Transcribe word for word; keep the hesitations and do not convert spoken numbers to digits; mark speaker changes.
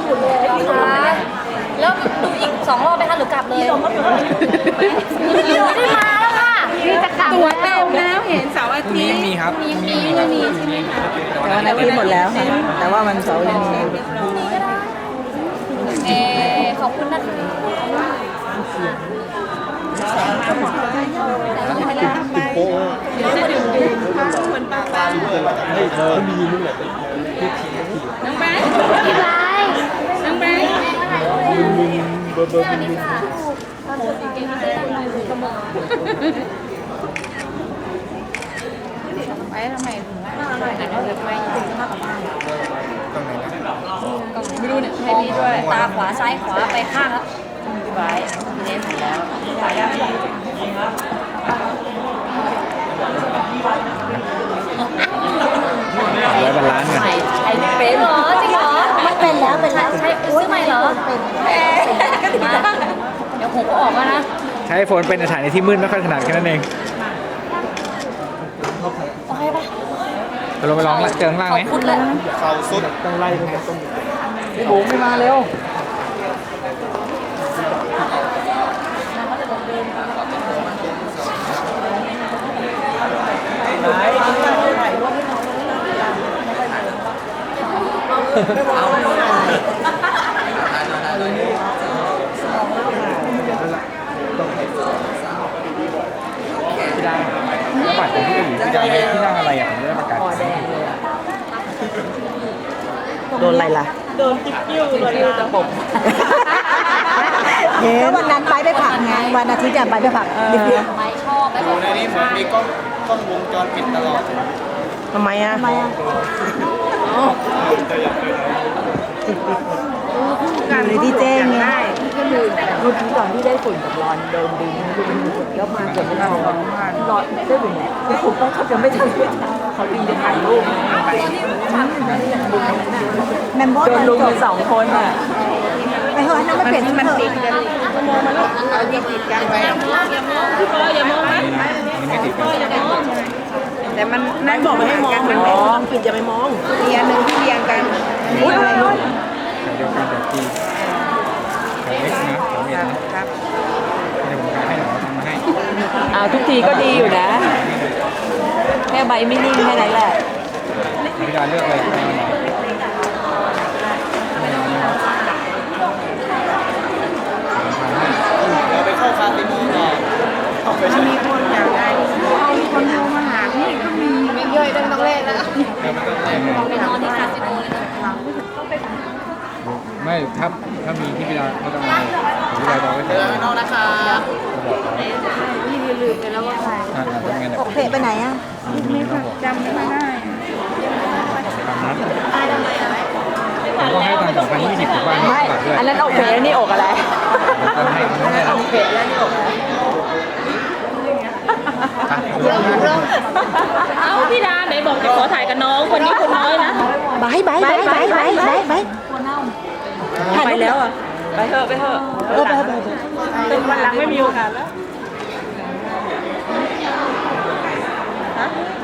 Speaker 1: สุดเลยนะคะแล้วดูอีกสองรอบไหมคะหรือกลับเลยพี่ไม่ได้มาแล้วค่ะพี่จะกลับตัวเต็มแล้วเห็นเสาร์อาทิตย์
Speaker 2: มีครับ
Speaker 1: มีมีไม่มีใช่ไหมคะ
Speaker 3: แต่วันอาทิตย์หมดแล้วค่ะแต่ว่าวันเสาร์ยังมี
Speaker 1: พรุ่งนี้ก็ได้เอขอบคุณนะคะ
Speaker 2: โอ้เดี๋ยวจะดื่มดื่มเหมือนปลาปลาไม่เธอมีนู่นแหละน้องแบงค์
Speaker 1: พี่ไร
Speaker 2: น้องแบงค์
Speaker 1: เบอร์เบอร์มินไปทำไมถึงว่าอร่อยนะเราเลยไปถึงมากกว่าบ้าน
Speaker 2: ตรงไหนนะ
Speaker 1: ไม่รู้เนี่ยให้พี่ด้วยตาขวาซ้ายขวาไปข้างแล้วพี่ไบร์ทพี่เนสถึงแล้วขายยัง
Speaker 2: ร้อยบาลานซ์กัน
Speaker 1: ใช้เป็นเหรอจริงเหรอไม่เป็นแล้วเป็นแล้วใช้ซื้อใหม่เหรอเป็นก็ดีนะเดี๋ยวผมก็ออกแล้วนะ
Speaker 2: ใช้โฟนเป็นสถานที่มืดไม่ค่อยถนัดแค่นั้นเอง
Speaker 1: โอเคปะ
Speaker 2: ไปลงไปร้องเจอข้างล่างไหม
Speaker 4: เขาสุดต้องไล่ไปตรง
Speaker 2: พี่บุ๋มไม่มาเร็วพี่ดาแล้วบัตรของพี่ก็อยู่พี่ดาที่นั่งอะไรอ่ะผมจะได้ประกาศ
Speaker 3: โดนอะไรล่ะ
Speaker 1: โดนจิ๊บยิ้วโดนตะปบ
Speaker 3: เห็นวันนั้นไปไปผักไงวันอาทิตย์ไปไปผักดิบ
Speaker 1: ๆไม่ชอบ
Speaker 4: ดูในนี้เหมือนมีกล้องกล้องวงจรปิดตลอด
Speaker 3: ทำไมอ่ะทำไมอ่ะเลยที่แจ้งไงก็คือรุ่นที่ตอนที่ได้ฝุ่นกับร้อนโดนดึงแล้วมาเกิดเป็นร้อนร้อนได้ฝุ่นแหละผมก็เขาจะไม่ทันเขาดึงจะถ่ายรูปแมมโบ้โดนลุมสองคนอ่ะไปเถอะนั่นไม่เปลี่ยนที่มันติดกันมองมาลูกเอาติดติดกันไปอย่ามองพี่ปออย่ามองนะพี่ปออย่ามองแต่มันนั่นบอกไม่ให้มองมันมองปิดจะไปมองเรียนหนึ่งที่เรียงกันอุ้ยอะไรลูก
Speaker 2: เดียวกันเดี๋ยวทีเอ็กซ์นะผมเองนะครับเดี๋ยวผมให้หนูทำมาให้
Speaker 3: อ่าทุกทีก็ดีอยู่นะแค่ใบไม่นิ่งแค่นั้นแหละ
Speaker 2: พี่ดาเลือกเลย
Speaker 4: เราไปเข้าคาสิโนต่อ
Speaker 1: มันมีคนอยากได้เอามีคนโทรมาหาพี่ก็มีไม่ย่อยได้ไม่ต้องเล่นแล้วไปนอนที่คาสิโนเลยนะ
Speaker 2: ไม่ถ้าถ้ามีที่พี่ดาไม่ต้องมาพี่ดาจะไว้เจอ
Speaker 4: ไม่ต้องนะคะ
Speaker 1: พี่ลืมไปแล้วว่าใคร
Speaker 3: โอเคไปไหนอ่ะ
Speaker 1: ไม่จำไม่ได้
Speaker 2: ผมก็ให้ตังค์สองพันยี่สิบถูกป่ะไม่
Speaker 3: อันนั้นโอเคแล้วนี่อกอะไร
Speaker 2: อันนั้น
Speaker 3: โอเคแล้วนี่อกอะไร
Speaker 1: เอ้าพี่ดาไหนบอกจะขอถ่ายกับน้องคนนี้คนน้อยนะ
Speaker 3: บายบายบายบายบายบายบาย
Speaker 1: ไปแล้วอ่ะไปเถอะไปเถอะ
Speaker 3: เออไปไป
Speaker 1: เป็นวันหลังไม่มีโอกาสแล้วฮะ